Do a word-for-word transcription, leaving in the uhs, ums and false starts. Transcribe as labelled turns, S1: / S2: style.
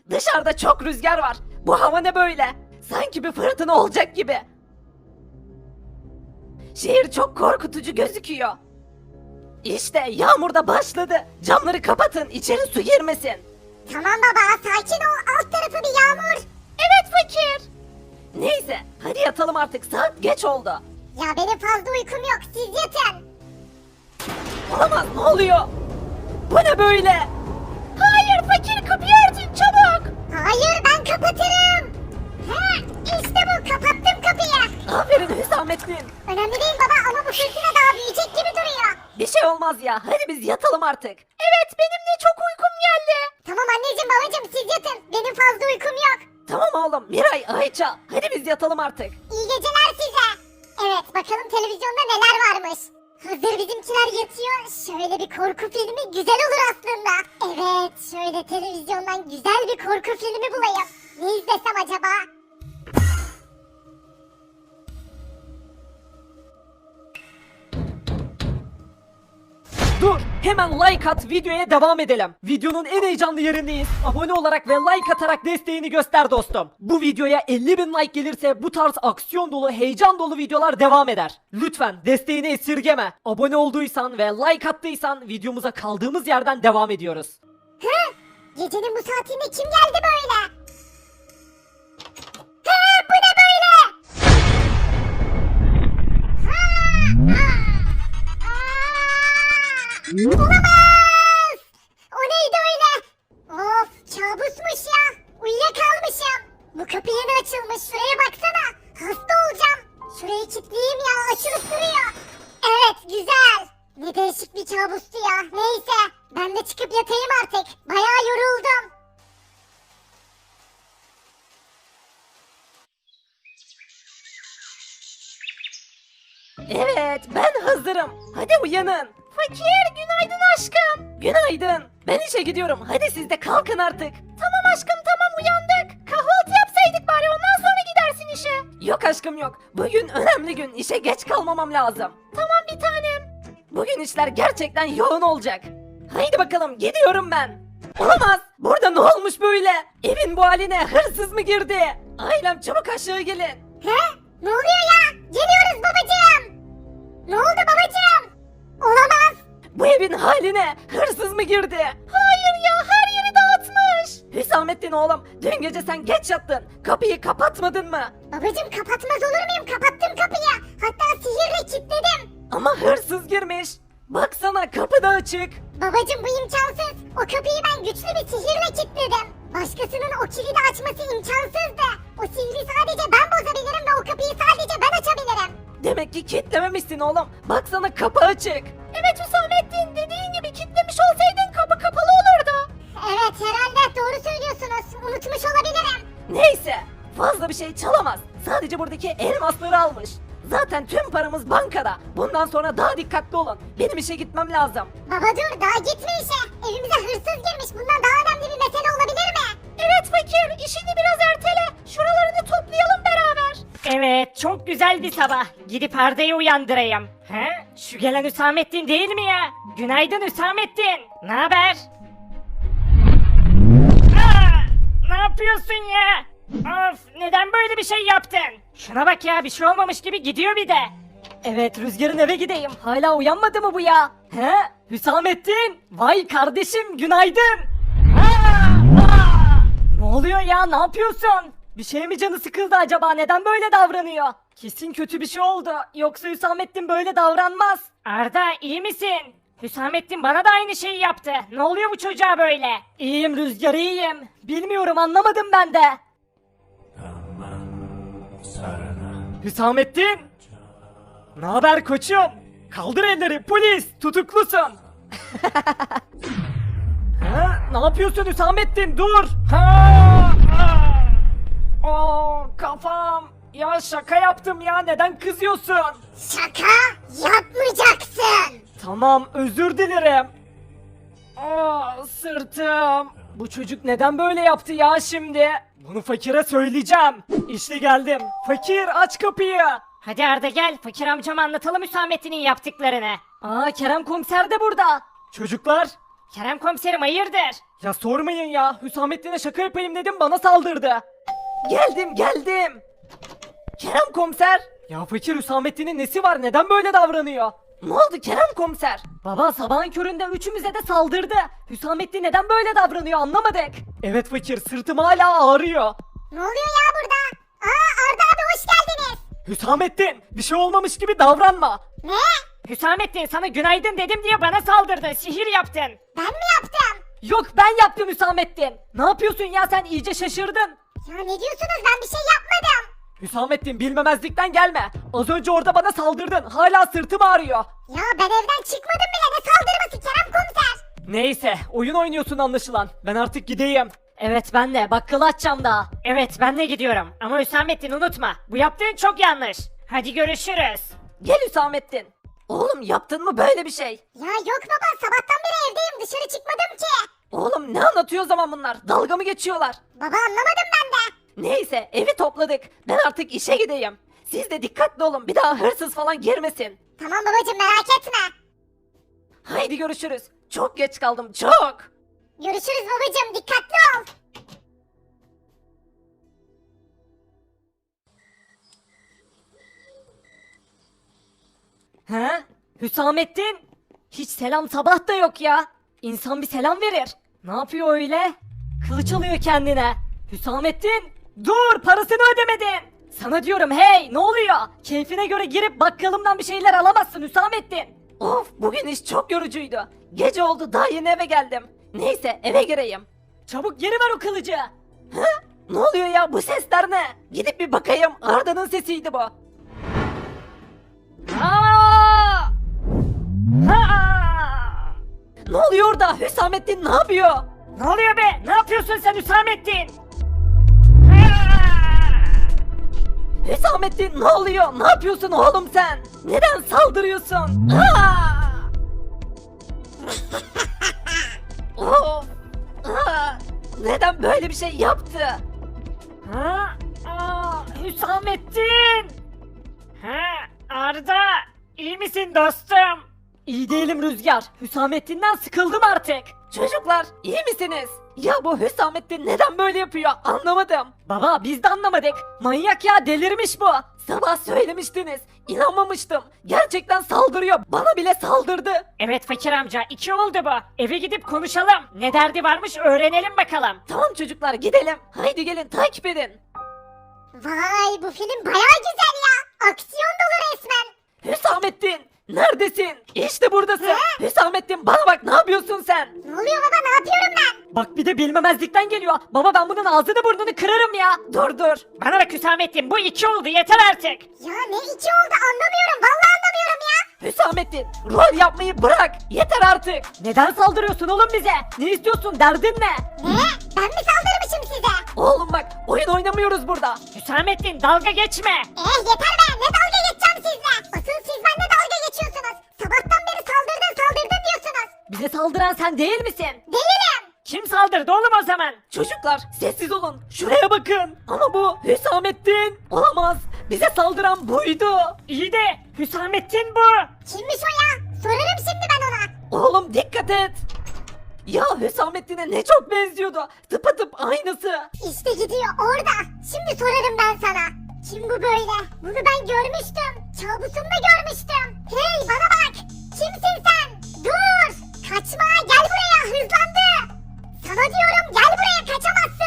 S1: Dışarıda çok rüzgar var. Bu hava ne böyle? Sanki bir fırtına olacak gibi. Şehir çok korkutucu gözüküyor. İşte yağmur da başladı. Camları kapatın, içeri su girmesin.
S2: Tamam baba, sakin ol, alt tarafı bir yağmur. Evet fakir.
S1: Neyse, hadi yatalım artık. Saat geç oldu.
S2: Ya benim fazla uykum yok, siz yatın.
S1: Olamaz, ne oluyor? Bu ne böyle?
S2: Hayır fakir, kapıyı örtün çabuk. Hayır, ben kapatırım. He, işte bu, kapattım kapıyı.
S1: Aferin Hüsamettin.
S2: Önemli değil baba ama bu fırtına daha büyüyecek gibi duruyor.
S1: Bir şey olmaz ya. Hadi biz yatalım artık.
S2: Evet, benim de çok uykum geldi. Tamam anneciğim babacığım, siz yatın. Benim fazla uykum yok.
S1: Tamam oğlum. Miray, Ayça. Hadi biz yatalım artık.
S2: İyi geceler size. Evet, bakalım televizyonda neler varmış. Hazır bizimkiler yatıyor. Şöyle bir korku filmi güzel olur aslında. Evet, şöyle televizyondan güzel bir korku filmi bulayım. Ne izlesem acaba?
S1: Dur, hemen like at, videoya devam edelim. Videonun en heyecanlı yerindeyiz. Abone olarak ve like atarak desteğini göster dostum. Bu videoya elli bin like gelirse bu tarz aksiyon dolu, heyecan dolu videolar devam eder. Lütfen desteğini esirgeme. Abone olduysan ve like attıysan videomuza kaldığımız yerden devam ediyoruz.
S2: Hı? Gecenin bu saatinde kim geldi böyle? Hı, bu ne böyle? Ha, ha. Olamaz! O neydi öyle? Of, kabusmuş ya. Uyuyakalmışım. Bu kapı yeni açılmış. Şuraya baksana. Hasta olacağım. Şurayı kilitleyeyim ya. Açılıp duruyor. Evet, güzel. Ne değişik bir kabustu ya. Neyse, ben de çıkıp yatayım artık. Bayağı yoruldum.
S1: Evet, ben hazırım. Hadi uyanın.
S2: Fakir, günaydın aşkım.
S1: Günaydın. Ben işe gidiyorum. Hadi siz de kalkın artık.
S2: Tamam aşkım, tamam uyandık. Kahvaltı yapsaydık bari, ondan sonra gidersin işe.
S1: Yok aşkım yok. Bugün önemli gün. İşe geç kalmamam lazım.
S2: Tamam bir tanem.
S1: Bugün işler gerçekten yoğun olacak. Haydi bakalım, gidiyorum ben. Olamaz. Burada ne olmuş böyle? Evin bu haline hırsız mı girdi? Ailem çabuk aşağı gelin.
S2: He? Ne oluyor ya? Geliyoruz babacığım. Ne oldu babacığım? Olamaz.
S1: Bu evin haline hırsız mı girdi?
S2: Hayır ya, her yeri dağıtmış.
S1: Hüsamettin oğlum, dün gece sen geç yattın. Kapıyı kapatmadın mı?
S2: Babacığım, kapatmaz olur muyum? Kapattım kapıyı. Hatta sihirle kilitledim.
S1: Ama hırsız girmiş. Baksana, kapı da açık.
S2: Babacığım, bu imkansız. O kapıyı ben güçlü bir sihirle kilitledim. Başkasının o kilidi açması imkansızdı. O sihri sadece ben bozabilirim ve o kapıyı sadece ben açabilirim.
S1: Demek ki kilitlememişsin oğlum. Baksana, kapı açık.
S2: Evet Hüsamettin, dediğin gibi kilitlemiş olsaydın kapı kapalı olurdu. Evet, herhalde doğru söylüyorsunuz. Unutmuş olabilirim.
S1: Neyse, fazla bir şey çalamaz. Sadece buradaki elmasları almış. Zaten tüm paramız bankada. Bundan sonra daha dikkatli olun. Benim işe gitmem lazım.
S2: Baba dur, daha gitme işe. Evimize hırsız girmiş. Bundan daha önemli bir mesele olabilir mi? Evet fakir, işini biraz ertele. Şuralarını toplayalım beraber.
S3: Evet, çok güzel bir sabah. Gidip Arda'yı uyandırayım. He? Şu gelen Hüsamettin değil mi ya? Günaydın Hüsamettin. Ne haber? Aa, ne yapıyorsun ya? Of, neden böyle bir şey yaptın? Şuna bak ya, bir şey olmamış gibi gidiyor bir de.
S1: Evet, Rüzgar'ın eve gideyim. Hala uyanmadı mı bu ya? He? Hüsamettin! Vay kardeşim, günaydın! Aa, aa! Ne oluyor ya, ne yapıyorsun? Bir şey mi canı sıkıldı acaba, neden böyle davranıyor? Kesin kötü bir şey oldu. Yoksa Hüsamettin böyle davranmaz.
S3: Arda, iyi misin? Hüsamettin bana da aynı şeyi yaptı. Ne oluyor bu çocuğa böyle?
S1: İyiyim Rüzgar, iyiyim. Bilmiyorum, anlamadım ben de. Hüsamettin! Ne haber koçum? Kaldır elleri, polis, tutuklusun. Ha, ne yapıyorsun Hüsamettin, dur. Ha, ha. Oo, kafam. Ya şaka yaptım ya, neden kızıyorsun?
S2: Şaka yapmayacaksın.
S1: Tamam, özür dilerim. Aa, sırtım. Bu çocuk neden böyle yaptı ya şimdi? Bunu fakire söyleyeceğim. İşte geldim. Fakir, aç kapıyı.
S3: Hadi Arda gel, fakir amcama anlatalım Hüsamettin'in yaptıklarını.
S1: Aa, Kerem komiser de burada. Çocuklar.
S3: Kerem komiserim hayırdır?
S1: Ya sormayın ya. Hüsamettin'e şaka yapayım dedim bana saldırdı. Geldim geldim. Kerem komiser. Ya fakir Hüsamettin'in nesi var? Neden böyle davranıyor? Ne oldu Kerem komiser? Baba sabahın köründe üçümüze de saldırdı. Hüsamettin neden böyle davranıyor anlamadık. Evet fakir sırtım hala ağrıyor.
S2: Ne oluyor ya burada? Aa Arda abi hoş geldiniz.
S1: Hüsamettin bir şey olmamış gibi davranma.
S2: Ne?
S3: Hüsamettin sana günaydın dedim diye bana saldırdı. Sihir yaptın.
S2: Ben mi yaptım?
S1: Yok ben yaptım Hüsamettin. Ne yapıyorsun ya sen iyice şaşırdın.
S2: Ya ne diyorsunuz ben bir şey yapmadım.
S1: Hüsamettin bilmemezlikten gelme. Az önce orada bana saldırdın. Hala sırtım ağrıyor.
S2: Ya ben evden çıkmadım bile ne saldırması Kerem komiser.
S1: Neyse oyun oynuyorsun anlaşılan. Ben artık gideyim. Evet ben de bakkalı açacağım daha.
S3: Evet ben de gidiyorum. Ama Hüsamettin unutma. Bu yaptığın çok yanlış. Hadi görüşürüz.
S1: Gel Hüsamettin. Oğlum yaptın mı böyle bir şey?
S2: Ya yok baba sabahtan beri evdeyim dışarı çıkmadım ki.
S1: Oğlum ne anlatıyor o zaman bunlar? Dalga mı geçiyorlar?
S2: Baba anlamadım ben de.
S1: Neyse evi topladık. Ben artık işe gideyim. Siz de dikkatli olun. Bir daha hırsız falan girmesin.
S2: Tamam babacım merak etme.
S1: Haydi görüşürüz. Çok geç kaldım çok.
S2: Görüşürüz babacım dikkatli ol.
S1: He? Hüsamettin? Hiç selam sabah da yok ya. İnsan bir selam verir. Ne yapıyor öyle? Kılıç alıyor kendine. Hüsamettin? Dur parasını ödemedin. Sana diyorum hey ne oluyor? Keyfine göre girip bakkalımdan bir şeyler alamazsın Hüsamettin. Of bugün iş çok yorucuydu. Gece oldu daha yeni eve geldim. Neyse eve gireyim. Çabuk geri ver o kılıcı. He? Ne oluyor ya bu sesler ne? Gidip bir bakayım Arda'nın sesiydi bu.
S3: Aa! Aa!
S1: Ne oluyor orada? Hüsamettin ne yapıyor?
S3: Ne oluyor be? Ne yapıyorsun sen Hüsamettin?
S1: Hüsamettin ne oluyor? Ne yapıyorsun oğlum sen? Neden saldırıyorsun? Aa! Of! Aa! Neden böyle bir şey yaptı?
S3: Ha? Aa, Hüsamettin! Ha, Arda, iyi misin dostum?
S1: İyi değilim Rüzgar. Hüsamettin'den sıkıldım artık. Çocuklar iyi misiniz? Ya bu Hüsamettin neden böyle yapıyor anlamadım. Baba biz de anlamadık. Manyak ya delirmiş bu. Sabah söylemiştiniz. İnanmamıştım. Gerçekten saldırıyor. Bana bile saldırdı.
S3: Evet fakir amca, iki oldu bu. Eve gidip konuşalım. Ne derdi varmış öğrenelim bakalım.
S1: Tamam çocuklar gidelim. Haydi gelin takip edin.
S2: Vay bu film bayağı güzel ya. Aksiyon dolu resmen.
S1: Hüsamettin neredesin? İşte buradasın. Hüsamettin bana bak ne yapıyorsun sen?
S2: Ne oluyor baba ne yapıyorum ben?
S1: Bak bir de bilmemezlikten geliyor. Baba ben bunun ağzını burnunu kırarım ya. Dur dur.
S3: Bana bak Hüsamettin, bu iki oldu, yeter artık.
S2: Ya ne içi oldu anlamıyorum vallahi anlamıyorum ya.
S1: Hüsamettin rol yapmayı bırak. Yeter artık. Neden saldırıyorsun oğlum bize? Ne istiyorsun derdin ne?
S2: Ne? Ben mi saldırmışım size?
S1: Oğlum bak oyun oynamıyoruz burada.
S3: Hüsamettin dalga geçme.
S2: Eh yeter be ne dalga geçeceğim sizle. Asıl siz benimle dalga geçiyorsunuz. Sabahtan beri saldırdın saldırdın diyorsunuz.
S1: Bize saldıran sen değil misin?
S2: Değilim.
S3: Kim saldırdı oğlum o zaman?
S1: Çocuklar sessiz olun. Şuraya bakın. Ama bu Hüsamettin. Olamaz. Bize saldıran buydu.
S3: İyi de Hüsamettin bu.
S2: Kimmiş o ya? Sorarım şimdi ben ona.
S1: Oğlum dikkat et. Ya Hüsamettin'e ne çok benziyordu. Tıpatıp aynısı.
S2: İşte gidiyor orada. Şimdi sorarım ben sana. Kim bu böyle? Bunu ben görmüştüm. Kabusumda görmüştüm. Hey bana bak. Kimsin sen? Dur. Kaçma gel buraya hızlandı. Sana diyorum gel buraya kaçamazsın.